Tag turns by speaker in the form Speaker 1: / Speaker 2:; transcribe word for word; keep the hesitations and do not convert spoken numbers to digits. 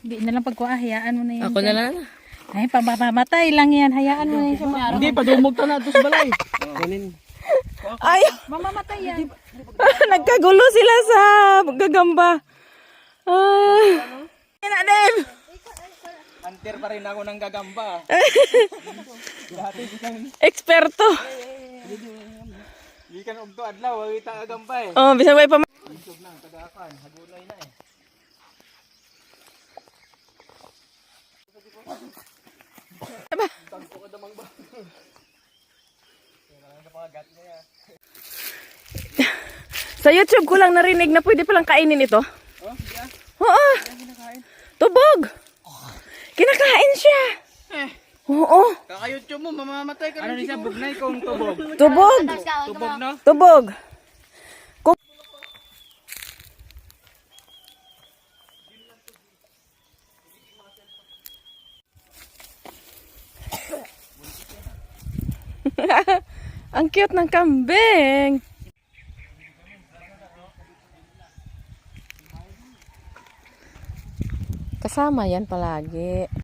Speaker 1: Hindi na lang pagkuha, hayaan mo na yan.
Speaker 2: Ako na lang.
Speaker 1: Ay, pamamatay lang yan. Hayaan mo na yan siya.
Speaker 3: Hindi, padumog ta na ito sa balay. Kunin.
Speaker 2: Ay!
Speaker 1: Mamamatay yan.
Speaker 2: Nagkagulo sila sa gagamba. Ay! Yan, Adem!
Speaker 3: Hunter pa rin ako ng gagamba. Dati di kang,
Speaker 2: Eksperto.
Speaker 3: di kang ugto adlaw, wag kita gagamba eh.
Speaker 2: Oh, bisag way pa.
Speaker 3: Isog na, tagakan, hagulay na eh.
Speaker 2: Aba.
Speaker 3: Tagpo ka damang ba? Kailangan na pagagat niya.
Speaker 2: Sa YouTube ko lang narinig na pwede palang kainin ito.
Speaker 3: Oh, yeah.
Speaker 2: Oo. Tubog. Kinakain siya. Oo.
Speaker 3: Kaka-YouTube mo, mamamatay ka rin. Ano niya, bugnay kung tubog?
Speaker 2: Tubog.
Speaker 3: Tubog no?
Speaker 2: Tubog. Kuk- Ang cute ng kambing. Kasama yan palagi.